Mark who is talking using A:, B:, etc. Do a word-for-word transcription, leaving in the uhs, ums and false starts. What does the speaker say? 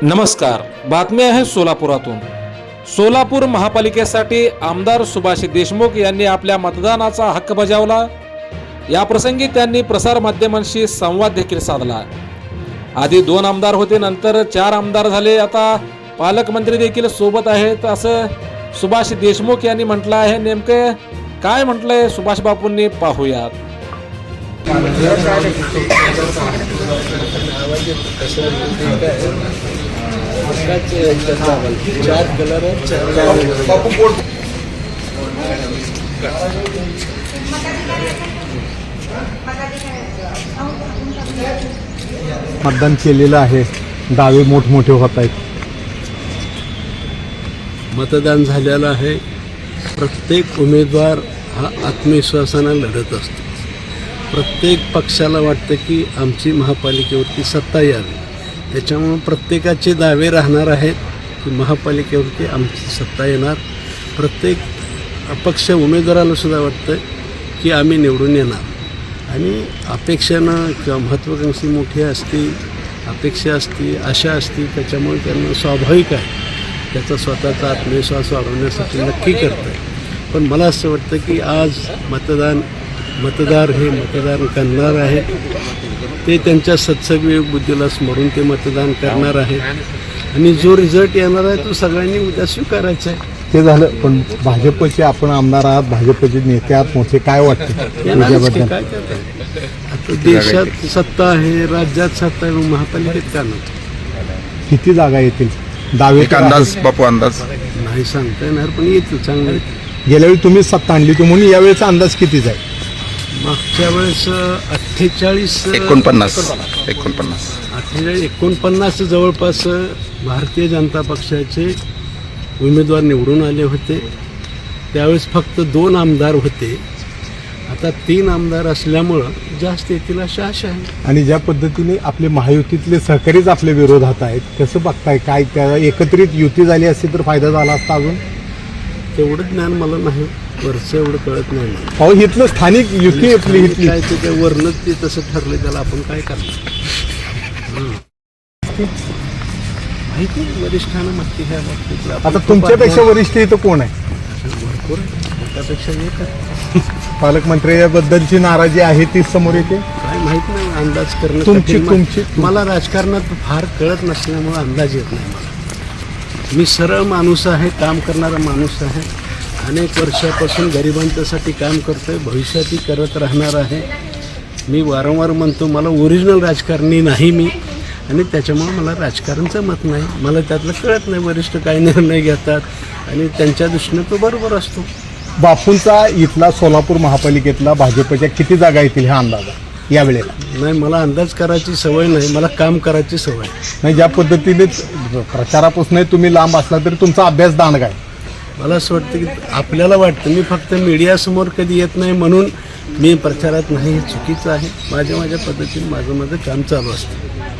A: नमस्कार, बातमी आहे सोलापुरातून। सोलापूर महापालिकेसाठी आमदार सुभाष देशमुख यांनी आपल्या मतदानाचा हक्क बजावला। या प्रसंगी त्यांनी प्रसार माध्यमांशी संवाद देखील साधला। आधी दोन आमदार होते, नंतर चार आमदार झाले, आता पालकमंत्री देखील सोबत आहेत असं सुभाष देशमुख यांनी म्हटलं आहे। नेमके काय म्हटलंय सुभाष बापूंनी पाहूयात।
B: चार कलर
C: मतदान केलेलं आहे, दावे मोठमोठे होत आहेत।
B: मतदान झालेलं आहे। प्रत्येक उमेदवार हा आत्मविश्वासानं लढत असतो। प्रत्येक पक्षाला वाटतं की आमची महापालिकेवरती सत्ता यावी, त्याच्यामुळे प्रत्येकाचे दावे राहणार आहेत की महापालिकेवरती आमची सत्ता येणार। प्रत्येक अपक्ष उमेदवाराला सुद्धा वाटतं की आम्ही निवडून येणार। आणि अपेक्षानं किंवा महत्त्वाकांक्षी मोठी असती, अपेक्षा असती, आशा असती, त्याच्यामुळे त्यांना स्वाभाविक आहे त्याचा स्वतःचा आत्मविश्वास वाढवण्यासाठी नक्की करतं आहे। पण मला असं वाटतं की आज मतदान मतदार हे मतदान करणार आहेत, ते त्यांच्या सत्सविवेक बुद्धीला स्मरून ते मतदान करणार आहेत आणि जो रिझल्ट येणार आहे तो सगळ्यांनी उद्या स्वीकारायचा आहे।
C: ते झालं, पण भाजपचे आपण आमदार आहात, भाजपचे नेते आहात मोठे, काय वाटते
B: काय करतात? आता देशात सत्ता आहे, राज्यात सत्ता आहे, महापालिकेत का नाही?
C: किती जागा येतील? दावे
D: अंदाज बापू अंदाज
B: नाही सांगता येणार, पण येतील, चांगलं येतील।
C: गेल्या वेळी तुम्ही सत्ता आणली होती, म्हणून यावेळेचा अंदाज कितीच आहे?
B: मागच्या वेळेस अठ्ठेचाळीस
D: एकोणपन्नास एकोणपन्नास
B: अठ्ठेचाळीस एकोणपन्नास जवळपास भारतीय जनता पक्षाचे उमेदवार निवडून आले होते। त्यावेळेस फक्त दोन आमदार होते, आता तीन आमदार असल्यामुळं जास्त येतील अशी आशा आहे।
C: आणि ज्या पद्धतीने आपले महायुतीतले सहकारीच आपल्या विरोधात आहेत, कसं बघताय? काय त्या एकत्रित युती झाली असती तर फायदा झाला असता? अजून
B: तेवढं ज्ञान मला नाही, वरचं एवढं कळत नाही मला।
C: अहो, इथलं स्थानिक युती आपली इथली
B: काय ते वरनच ते तसं ठरलं, त्याला आपण काय करणार? माहिती वरिष्ठांना माहिती ह्या बाबतीत।
C: आता तुमच्यापेक्षा वरिष्ठ इथं कोण आहे?
B: भरपूर आहे, त्यापेक्षा एक आहे।
C: पालकमंत्र्याबद्दलची नाराजी आहे ती समोर येते।
B: काय माहित नाही, अंदाज करणं
C: तुमची
B: कठीण.
C: तुमची
B: मला राजकारणात फार कळत नसल्यामुळे अंदाज येत नाही मला। मी सरळ माणूस आहे, काम करणारा माणूस आहे, अनेक वर्षापासून गरिबांच्यासाठी काम करतोय, भविष्यातही करत राहणार आहे। मी वारंवार म्हणतो मला ओरिजिनल राजकारणी नाही मी, आणि त्याच्यामुळे मला राजकारणचं मत नाही, मला त्यातलं कळत नाही वरिष्ठ काय निर्णय घेतात आणि त्यांच्या दृष्टीने तो बरोबर असतो।
C: बापूंचा इथला सोलापूर महापालिकेतला भाजपच्या किती जागा येतील हा अंदाज आहे यावेळेला?
B: नाही, मला अंदाज करायची सवय नाही, मला काम करायची सवय
C: नाही। ज्या पद्धतीने प्रचारापासून तुम्ही लांब असला तरी तुमचा अभ्यास दांडगा आहे।
B: मला असं वाटतं की आपल्याला वाटतं मी फक्त मीडियासमोर कधी येत नाही म्हणून मी प्रचारात नाही, हे चुकीचं आहे। माझ्या माझ्या पद्धतीने माझं माझं काम चालू असतं।